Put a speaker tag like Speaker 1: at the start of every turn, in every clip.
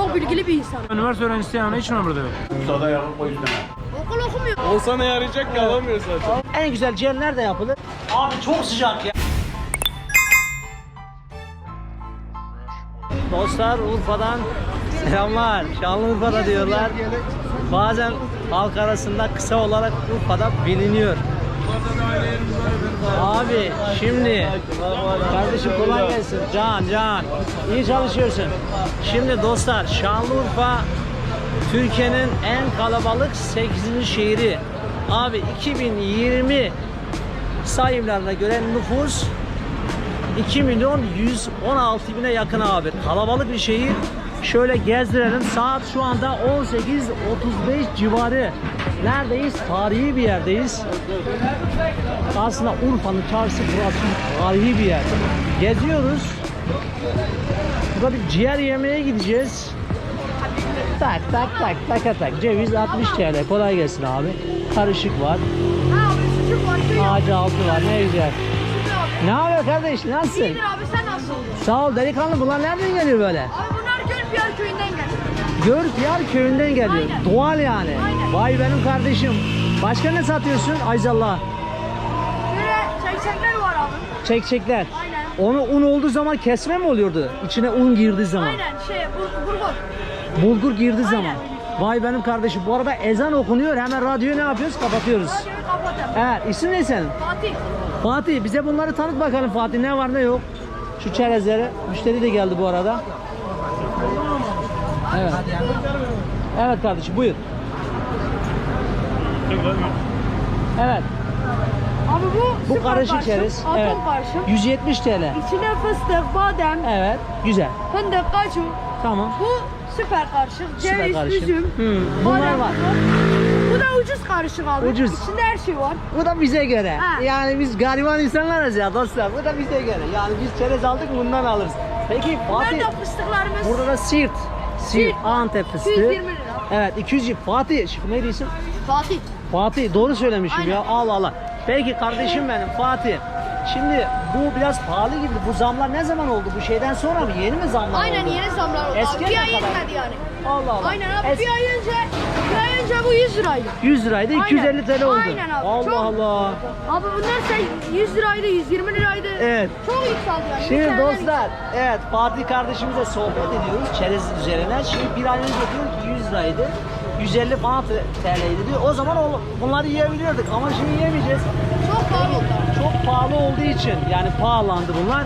Speaker 1: çok bilgili bir insanım.
Speaker 2: Üniversite öğrencisi yani hiç mi burada yok?
Speaker 3: Ustada yapıp o yüzden.
Speaker 1: Okul okumuyor.
Speaker 4: Olsa ne yarayacak ki alamıyor zaten.
Speaker 5: En güzel ciğer nerede yapılır? Abi çok sıcak ya. Dostlar Urfa'dan selamlar. Şanlıurfa'da diyorlar. Bazen halk arasında kısa olarak Urfa'da biliniyor. Abi şimdi kardeşim kolay gelsin. Can iyi çalışıyorsun. Şimdi dostlar Şanlıurfa Türkiye'nin en kalabalık 8. şehri. Abi 2020 sayımlarına göre nüfus 2.116.000'e yakın abi. Kalabalık bir şehir. Şöyle gezdirelim. Saat şu anda 18.35 civarı. Neredeyiz? Tarihi bir yerdeyiz. Aslında Urfa'nın çarşısı burası tarihi bir yer. Geziyoruz. Burada bir ciğer yemeye gideceğiz. Tak. Ceviz 60 TL. Kolay gelsin abi. Karışık var.
Speaker 1: Abi sucuk var.
Speaker 5: Ağacı altı var. Ne güzel. Ne haber kardeş? Nasılsın?
Speaker 1: İyidir abi sen nasılsın?
Speaker 5: Sağ ol delikanlı. Bunlar nereden geliyor böyle?
Speaker 1: Abi bunlar Gölpiyar köyünden geldi.
Speaker 5: Gölpiyar köyünden geliyor.
Speaker 1: Aynen.
Speaker 5: Doğal yani.
Speaker 1: Aynen.
Speaker 5: Vay benim kardeşim. Başka ne satıyorsun? Ayzallah.
Speaker 1: Böyle çekçekler var abi.
Speaker 5: Çekçekler.
Speaker 1: Aynen.
Speaker 5: Onu un olduğu zaman kesme mi oluyordu? İçine un girdiği zaman.
Speaker 1: Aynen bulgur.
Speaker 5: Bulgur girdiği
Speaker 1: Aynen.
Speaker 5: zaman. Vay benim kardeşim. Bu arada ezan okunuyor. Hemen radyoyu ne yapıyoruz? Kapatıyoruz.
Speaker 1: Radyoyu kapatalım.
Speaker 5: Evet. İsim ne senin?
Speaker 1: Fatih.
Speaker 5: Fatih bize bunları tanıt bakalım Fatih. Ne var ne yok? Şu çerezleri. Müşteri de geldi bu arada. Evet. Evet kardeşim buyur. Evet.
Speaker 1: Abi bu süper
Speaker 5: karışık çerez.
Speaker 1: Atom
Speaker 5: Evet.
Speaker 1: karışık.
Speaker 5: 170 TL.
Speaker 1: İçine fıstık, badem,
Speaker 5: Evet. Güzel.
Speaker 1: fındık, kaju.
Speaker 5: Tamam.
Speaker 1: Bu süper karışık.
Speaker 5: Süper
Speaker 1: Ceviz,
Speaker 5: karışık.
Speaker 1: üzüm.
Speaker 5: Bunlar
Speaker 1: badem,
Speaker 5: var.
Speaker 1: Bu da ucuz karışık abi.
Speaker 5: Ucuz.
Speaker 1: İçinde her şey var.
Speaker 5: Bu da bize göre.
Speaker 1: Ha.
Speaker 5: Yani biz gariban insanlarız ya dostlar. Bu da bize göre. Yani biz çerez aldık bundan alırız. Peki Fatih
Speaker 1: Bunlar da fıstıklarımız.
Speaker 5: burada da Siirt. Siirt Antep fıstığı.
Speaker 1: 220 lira.
Speaker 5: Evet 200. Fatih ne diyorsun?
Speaker 1: Fatih.
Speaker 5: Fatih doğru söylemişim
Speaker 1: Aynen.
Speaker 5: ya. Allah Allah. Peki kardeşim benim Fatih. Şimdi bu biraz pahalı gibi. Bu zamlar ne zaman oldu? Bu şeyden sonra mı? Yeni mi zamlar
Speaker 1: Aynen
Speaker 5: oldu?
Speaker 1: yeni zamlar oldu.
Speaker 5: Eskiden
Speaker 1: Bir
Speaker 5: ne
Speaker 1: ay
Speaker 5: kadar?
Speaker 1: yetmedi yani.
Speaker 5: Allah Allah.
Speaker 1: Aynen abi bir ay önce bu 100 liraydı.
Speaker 5: 100 liraydı 250 TL oldu.
Speaker 1: Aynen abi.
Speaker 5: Allah
Speaker 1: Çok-
Speaker 5: Allah.
Speaker 1: Abi bunlar 100 liraydı, 120 liraydı.
Speaker 5: Evet.
Speaker 1: Çok yükseldi yani.
Speaker 5: Şimdi
Speaker 1: Mükemmel.
Speaker 5: dostlar, evet Fatih kardeşimizle sohbet ediyoruz çerez üzerine. Şimdi bir ay önce diyor ki 100 liraydı, 150 falan TL'ydi diyor. O zaman bunları yiyebiliyorduk ama şimdi yiyemeyeceğiz.
Speaker 1: Çok pahalı oldu.
Speaker 5: Çok pahalı olduğu için yani pahalandı bunlar.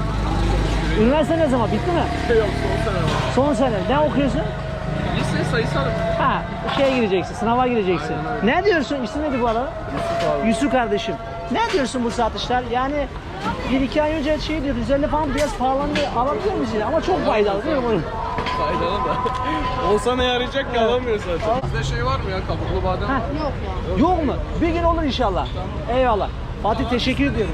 Speaker 5: Üniversite ne zaman bitti mi?
Speaker 4: Yok son sene var.
Speaker 5: Son sene. Ne okuyorsun?
Speaker 4: Lise sayısal.
Speaker 5: Ha, şeye gireceksin, sınava gireceksin. Ne diyorsun? İsim neydi bu arada? Yusuf kardeşim. Ne diyorsun bu satışlar? Yani 1-2 ay önce şey diyor, 150 falan biraz pahalandı. Alabiliyor muyuz yine? Ama çok faydalı değil mi bunun?
Speaker 4: Faydalı da. Olsa ne yarayacak ki alamıyor zaten. Bizde şey var mı ya kabuklu badem
Speaker 5: Ha.
Speaker 4: var.
Speaker 1: Yok ya.
Speaker 5: Yok mu? Bir gün olur inşallah. Eyvallah. Fatih teşekkür ediyorum.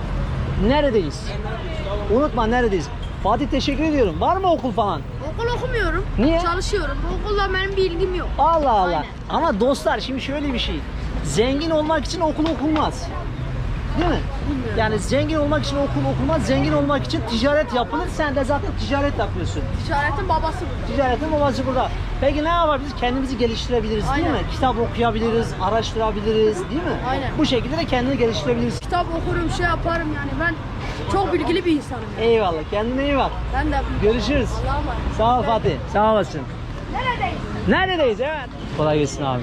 Speaker 5: Neredeyiz? Unutma neredeyiz? Fatih teşekkür ediyorum. Var mı okul falan?
Speaker 1: Okul okumuyorum.
Speaker 5: Niye?
Speaker 1: Çalışıyorum. Bu okulla benim bir ilgim yok.
Speaker 5: Allah Allah.
Speaker 1: Aynen.
Speaker 5: Ama dostlar şimdi şöyle bir şey. Zengin olmak için okul okunmaz. Değil mi?
Speaker 1: Bilmiyorum.
Speaker 5: Yani zengin olmak için okul okunmaz. Zengin olmak için ticaret yapılır. Sen de zaten ticaret yapıyorsun.
Speaker 1: Ticaretin babası burada.
Speaker 5: Ticaretin babası burada. Peki ne yapabiliriz? Kendimizi geliştirebiliriz değil
Speaker 1: Aynen.
Speaker 5: mi? Kitap okuyabiliriz, araştırabiliriz değil mi?
Speaker 1: Aynen.
Speaker 5: Bu şekilde de kendini geliştirebiliriz.
Speaker 1: Kitap okurum, şey yaparım yani. Ben çok bilgili bir insanım. Yani.
Speaker 5: Eyvallah. Kendine iyi bak.
Speaker 1: Ben de
Speaker 5: Görüşürüz.
Speaker 1: Allah'a emanet.
Speaker 5: Sağ ol Fatih. Sağ olasın.
Speaker 1: Neredeyiz?
Speaker 5: Neredeyiz? Evet. Kolay gelsin abi.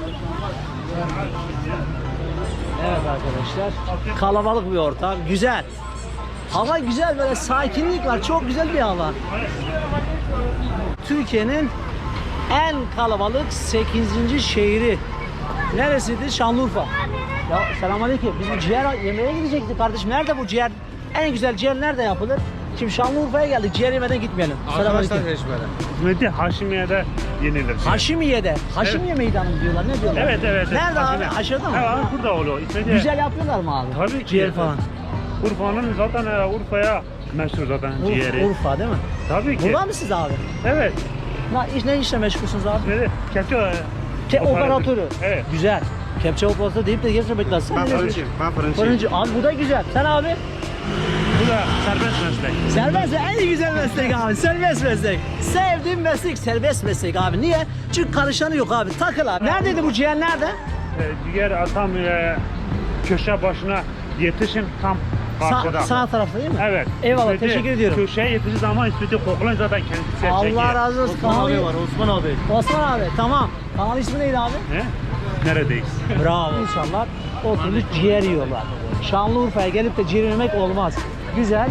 Speaker 5: Evet arkadaşlar. Kalabalık bir ortam. Güzel. Hava güzel, böyle sakinlik var. Çok güzel bir hava. Türkiye'nin en kalabalık 8. şehri. Neresiydi? Şanlıurfa. Ya selamünaleyküm. Biz bu ciğer yemeye gidecektik kardeşim. Nerede bu ciğer? En güzel ciğer nerede yapılır? Şimdi Şanlıurfa'ya geldik. Ciğer yemeden gitmeyelim.
Speaker 4: Arkadaşlar
Speaker 5: Selamünaleyküm.
Speaker 4: Reşber'e.
Speaker 3: Hizmeti Haşimiye'de yenilir.
Speaker 5: Haşimiye'de. Haşimiye meydanı mı diyorlar? Ne diyorlar?
Speaker 3: Evet.
Speaker 5: Nerede
Speaker 3: Haşimiye.
Speaker 5: abi? Aşağıda mı?
Speaker 3: Evet burada oluyor. İsmeti
Speaker 5: Güzel yapıyorlar mı abi?
Speaker 3: Tabii ki.
Speaker 5: Ciğer falan.
Speaker 3: Urfa'nın zaten Urfa'ya meşhur zaten ciğeri.
Speaker 5: Urfa değil mi?
Speaker 3: Tabii ki.
Speaker 5: Burada mısınız abi?
Speaker 3: Evet.
Speaker 5: Ne işle meşgulsünüz abi?
Speaker 3: İsmeti kepçe
Speaker 5: Operatörü.
Speaker 3: Evet.
Speaker 5: Güzel. Kepçe operatörü deyip de geçmemek lazım.
Speaker 3: Ben
Speaker 5: Sen ne
Speaker 3: fırıncıyım.
Speaker 5: diyorsun? Fırıncı. Abi bu da güzel. Sen abi?
Speaker 3: Bu da serbest meslek.
Speaker 5: Serbest en güzel meslek abi. Serbest meslek. Sevdiğim meslek serbest meslek abi. Niye? Çünkü karışanı yok abi. Takıl abi. Neredeydi bu ciğer nerede?
Speaker 3: Diğer atam köşe başına yetişin tam karşıda.
Speaker 5: Sağ tarafta değil mi?
Speaker 3: Evet.
Speaker 5: Eyvallah,
Speaker 3: İstediği
Speaker 5: teşekkür ediyorum.
Speaker 3: Köşeye yetişir zaman istediği koklayın zaten kendisi çekiyor.
Speaker 5: Allah razı olsun.
Speaker 2: Osman abi var, Osman abi.
Speaker 5: Osman abi tamam. Kanal ismi neydi abi?
Speaker 3: He? Neredeyiz?
Speaker 5: Bravo. İnsanlar oturmuş ciğer yiyorlar. Şanlıurfa'ya gelip de ciğer yemek olmaz. Güzel.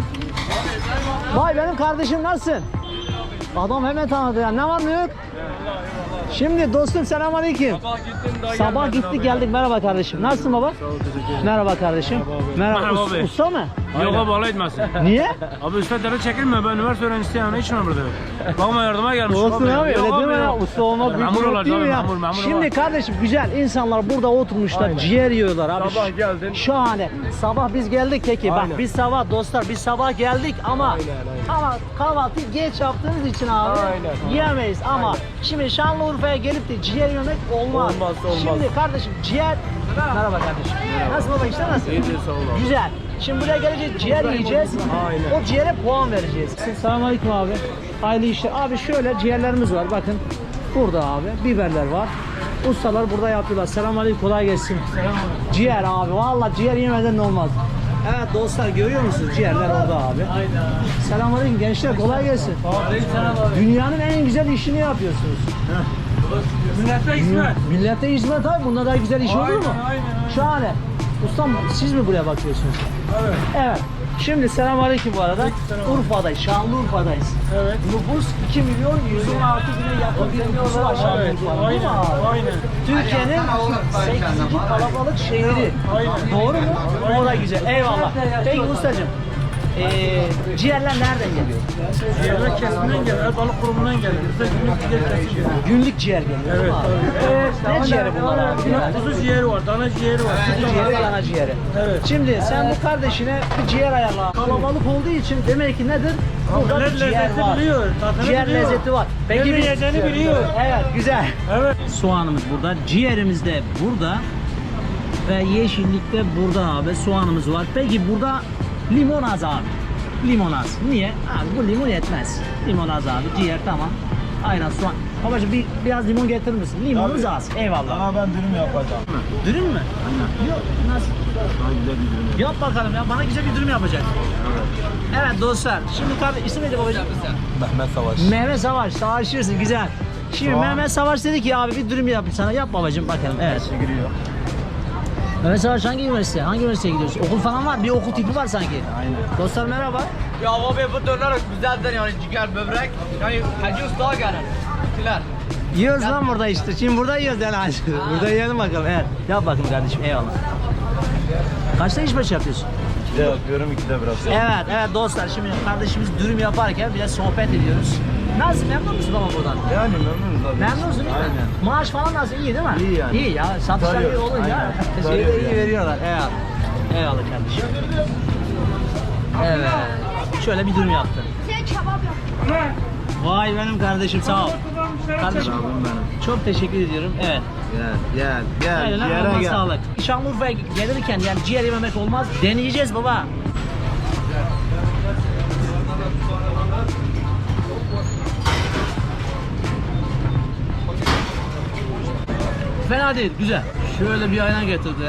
Speaker 5: Vay benim kardeşim nasılsın? Adam hemen tanıdı ya. Ne var ne yok? Şimdi dostum selamünaleyküm. Sabah gittik geldik. Merhaba kardeşim. Nasılsın baba? Merhaba kardeşim. Merhaba.
Speaker 2: Merhaba abi.
Speaker 5: Usta mı?
Speaker 2: Yok abi Allah etmesin.
Speaker 5: Niye?
Speaker 2: Abi üstadları çekilme, ben üniversite öğrencisiyim, onun için burada yok. Bakma yardıma gelmiş.
Speaker 5: Olsun abi öyle
Speaker 2: Yok
Speaker 5: deme ya.
Speaker 2: yok.
Speaker 5: Usta olmak büyük
Speaker 2: Memur
Speaker 5: bir
Speaker 2: olacak
Speaker 5: değil mi
Speaker 2: abi,
Speaker 5: ya?
Speaker 2: memur
Speaker 5: Şimdi
Speaker 2: var.
Speaker 5: kardeşim güzel insanlar burada oturmuşlar ciğer yiyorlar abi.
Speaker 4: Sabah geldin.
Speaker 5: Şahane. Sabah biz geldik peki. Bak
Speaker 4: Aynen.
Speaker 5: biz sabah dostlar biz sabah geldik ama kahvaltıyı geç yaptığımız için abi
Speaker 4: Aynen.
Speaker 5: yiyemeyiz ama şimdi Şanlıurfa'ya gelip de ciğer yemek olmaz.
Speaker 4: Olmaz.
Speaker 5: Şimdi kardeşim ciğer merhaba kardeşim. Nasıl baba işler nasıl?
Speaker 4: İyidir, sağ ol abi.
Speaker 5: Güzel. Şimdi buraya geleceğiz ciğer yiyeceğiz.
Speaker 4: Aynen.
Speaker 5: O ciğere puan vereceğiz. Selamünaleyküm abi. Hayırlı işler. Abi şöyle ciğerlerimiz var bakın. Burada abi biberler var. Ustalar burada yapıyorlar. Selamünaleyküm kolay gelsin. Ciğer abi vallahi ciğer yemeden olmaz. Evet dostlar görüyor musunuz? Ciğerler orada abi. Aynen. Selamünaleyküm gençler kolay gelsin. Dünyanın en güzel işini yapıyorsunuz.
Speaker 2: Millete hizmet.
Speaker 5: Millete hizmet abi. Bunda daha güzel iş olur mu?
Speaker 2: Aynen.
Speaker 5: Şahane. Ustam siz mi buraya bakıyorsunuz?
Speaker 2: Evet.
Speaker 5: Evet. Şimdi selamünaleyküm bu arada. Urfa'dayız, Şanlıurfa'dayız.
Speaker 2: Evet.
Speaker 5: Nüfus 2 milyon 116 bine yakın bir nüfusu var Şanlıurfa'nın. Değil mi abi?
Speaker 2: Aynen.
Speaker 5: Türkiye'nin 8. kalabalık şehri.
Speaker 2: Aynen.
Speaker 5: Doğru mu? O da güzel. Eyvallah. Peki ustacığım. Ciğerler nereden geliyor?
Speaker 2: Ciğerler kesiminden gelir, balık kurumundan gelir. Bize günlük ciğer kesim geliyor.
Speaker 5: Günlük ciğer geliyor.
Speaker 2: Evet,
Speaker 5: değil mi abi? Ne ciğeri bunlar abi?
Speaker 2: Kuzu ciğeri var, dana ciğeri var.
Speaker 5: Kuzu ciğeri, dana ciğeri.
Speaker 2: Evet.
Speaker 5: Şimdi sen bu kardeşine bir ciğer ayarla. Kalabalık olduğu için demek ki nedir? Burada bir ciğer
Speaker 2: lezzeti
Speaker 5: var.
Speaker 2: biliyor, tadını
Speaker 5: Ciğer
Speaker 2: biliyor.
Speaker 5: lezzeti var.
Speaker 2: Nerede yiyeceğini biliyor.
Speaker 5: Evet, güzel.
Speaker 2: Evet.
Speaker 5: Soğanımız burada, ciğerimiz de burada ve yeşillik de burada abi. Soğanımız var. Peki burada limon az abi. Limon az. Niye? Abi bu limon yetmez. Limon az abi. Ciğer tamam. Aynen soğan. Babacığım biraz limon getirir misin? Limonumuz az. Eyvallah.
Speaker 2: Ama ben dürüm yapacağım.
Speaker 5: Dürüm mü? Aynen. Yok. Nasıl?
Speaker 2: Daha güzel bir dürüm.
Speaker 5: Yap bakalım ya. Bana güzel bir dürüm yapacak. Evet dostlar. Şimdi kardeş isim neydi babacığım?
Speaker 2: Mehmet Savaş.
Speaker 5: Mehmet Savaş. Savaşıyorsun. Güzel. Şimdi Mehmet Savaş dedi ki abi bir dürüm yap sana. Yap babacığım bakalım. Evet.
Speaker 2: Giriyor.
Speaker 5: Mehmet Savaş hangi üniversite? Hangi üniversiteye gidiyorsun? Okul falan var. Bir okul tipi var sanki.
Speaker 2: Aynen.
Speaker 5: Dostlar merhaba.
Speaker 6: Ya abi bu döner güzeldir yani ciğer böbrek yani Hacı Usta gelir. Gittiler.
Speaker 5: Yiyoruz lan burada işte. Şimdi burada yiyoruz yani. Burada yiyelim bakalım. Evet. Yap bakayım kardeşim. Eyvallah. Kaçta iş başı yapıyorsun?
Speaker 2: Bir de yapıyorum, iki de biraz.
Speaker 5: Evet dostlar. Şimdi kardeşimiz dürüm yaparken biraz sohbet ediyoruz. Nasıl memnun musun baba buradan?
Speaker 2: Yani memnunuz abi.
Speaker 5: Memnunsun değil mi?
Speaker 2: Aynen.
Speaker 5: Maaş falan nasıl? İyi değil mi?
Speaker 2: İyi yani.
Speaker 5: İyi ya. Satışlar iyi
Speaker 2: Sarıyor.
Speaker 5: olunca
Speaker 2: Aynen.
Speaker 5: şeyi de
Speaker 2: Sarıyor
Speaker 5: iyi
Speaker 2: yani.
Speaker 5: veriyorlar. Eyvallah. Eyvallah kardeşim. Evet. Şöyle bir dürüm yaptı.
Speaker 1: Sen kebap yap.
Speaker 5: Vay benim kardeşim sağ ol. Kardeşim
Speaker 2: Abim benim.
Speaker 5: çok teşekkür ediyorum. Evet.
Speaker 2: Gel.
Speaker 5: Aynen
Speaker 2: Ciğere
Speaker 5: Allah
Speaker 2: gel.
Speaker 5: sağlık. Şanlıurfa'ya gelirken yani ciğer yememek olmaz. Deneyeceğiz baba. Fena değil, güzel. Şöyle bir ayna getirdi.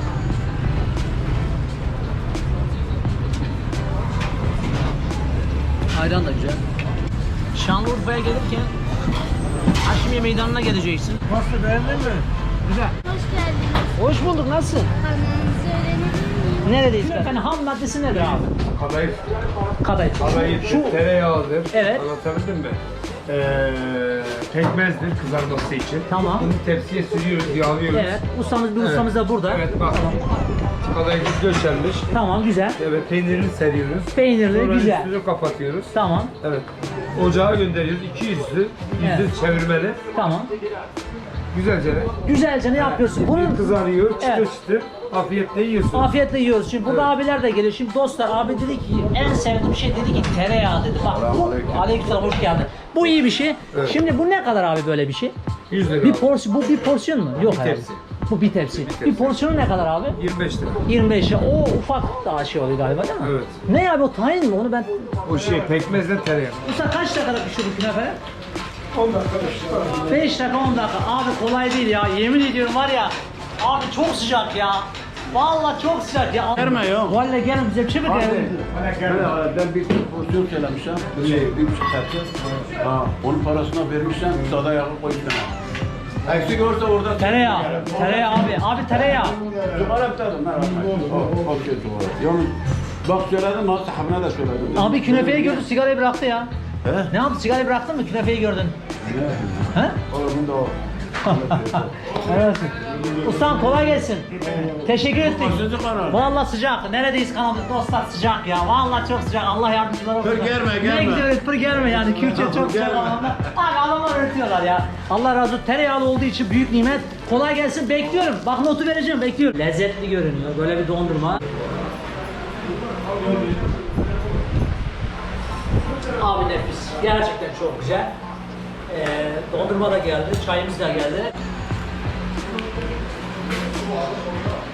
Speaker 5: Ayran da güzel. Şanlıurfa'ya gelirken Haşmiye Meydanı'na geleceksin.
Speaker 2: Nasıl, beğendin mi?
Speaker 5: Güzel.
Speaker 1: Hoş geldiniz.
Speaker 5: Hoş bulduk, nasılsın?
Speaker 1: Kanalınızı öğrenebilir miyim?
Speaker 5: Neredeyiz? Yani ham maddesi nedir abi?
Speaker 4: Kadayıf.
Speaker 5: Kadayıf.
Speaker 4: Kadayıf
Speaker 5: Şu
Speaker 4: tereyağıdır.
Speaker 5: Evet.
Speaker 4: Anlatabildim mi? Pekmezdir kızarması için.
Speaker 5: Tamam.
Speaker 4: Bunu tepsiye sürüyoruz, yağlıyoruz.
Speaker 5: evet, ustamız bir ustamız da burada.
Speaker 4: Evet bak. Kadayıf döşenmiş.
Speaker 5: Tamam, güzel.
Speaker 4: Evet peynirini seriyoruz.
Speaker 5: Peynirli,
Speaker 4: Sonra
Speaker 5: güzel.
Speaker 4: üstünü kapatıyoruz.
Speaker 5: Tamam,
Speaker 4: Evet. Ocağa gönderiyoruz. 200'lü.
Speaker 5: Evet.
Speaker 4: Çevirmeli.
Speaker 5: tamam.
Speaker 4: Güzelce de.
Speaker 5: Güzelce ne yapıyorsun? Bunun
Speaker 4: Kızarıyor, çıtır
Speaker 5: Evet.
Speaker 4: çıtır. Afiyetle yiyorsun.
Speaker 5: afiyetle yiyoruz. Şimdi burada abiler de geliyor. Şimdi dostlar abi dedi ki en sevdiğim şey dedi ki tereyağı dedi. Bak bu aleykümselam hoş geldin. Bu iyi bir şey.
Speaker 4: Evet.
Speaker 5: Şimdi bu ne kadar abi böyle bir şey?
Speaker 4: 100 lira.
Speaker 5: Bu bir porsiyon mu? Yok
Speaker 4: Bir
Speaker 5: herhalde.
Speaker 4: tepsi.
Speaker 5: Bu bir tepsi. Bir porsiyonu ne kadar abi?
Speaker 2: 25 lira.
Speaker 5: 25 lira. O ufak daha şey oluyor galiba değil mi?
Speaker 2: Evet.
Speaker 5: Ne abi o tahin mi? Onu ben...
Speaker 2: O şey pekmezle tereyağı.
Speaker 5: Usta kaç dakikada pişiyor bu künefe? 10 dakika 5 dakika 10 dakika. Abi kolay değil ya. Yemin ediyorum var ya. Abi çok sıcak ya. Vallahi çok sıcak ya.
Speaker 7: Verme ya.
Speaker 5: Vallahi gelin bize bir şey mi diyelim?
Speaker 7: Ben bir porsiyon söylemişim. Bir buçuk tepsi. Ha, onun parasına vermişsen sada yağı koymuşsun. Eksik olursa orada...
Speaker 5: Tereyağı. Tereyağı abi. Abi tereyağı.
Speaker 7: Zugara bir tadım. Okey zugara. Yalnız bak söyledim ha sahabına da söyledim.
Speaker 5: Abi künefeyi gördü sigarayı bıraktı ya.
Speaker 7: He?
Speaker 5: Ne yaptı? Sigarayı bıraktın mı? Künefeyi gördün.
Speaker 7: Ne?
Speaker 5: He?
Speaker 7: Oğlum da o.
Speaker 5: Evet. Ustam kolay gelsin. Teşekkür ettik.
Speaker 7: Sıcak ana.
Speaker 5: Vallahi sıcak. Neredeyiz kanalda dostlar sıcak ya. Vallahi çok sıcak. Allah yardımcılar olsun.
Speaker 7: Pır germe,
Speaker 5: Ne
Speaker 7: germe.
Speaker 5: gidiyoruz pır germe yani. Kürtçe çok sıcak
Speaker 7: germe.
Speaker 5: anlamda. Abi adamlar öğretiyorlar ya. Allah razı olsun. Tereyağlı olduğu için büyük nimet. Kolay gelsin. Bekliyorum. Bak notu vereceğim. Bekliyorum. Lezzetli görünüyor. Böyle bir dondurma. Abi nefis. Gerçekten çok güzel. Dondurma da geldi. Çayımız da geldi.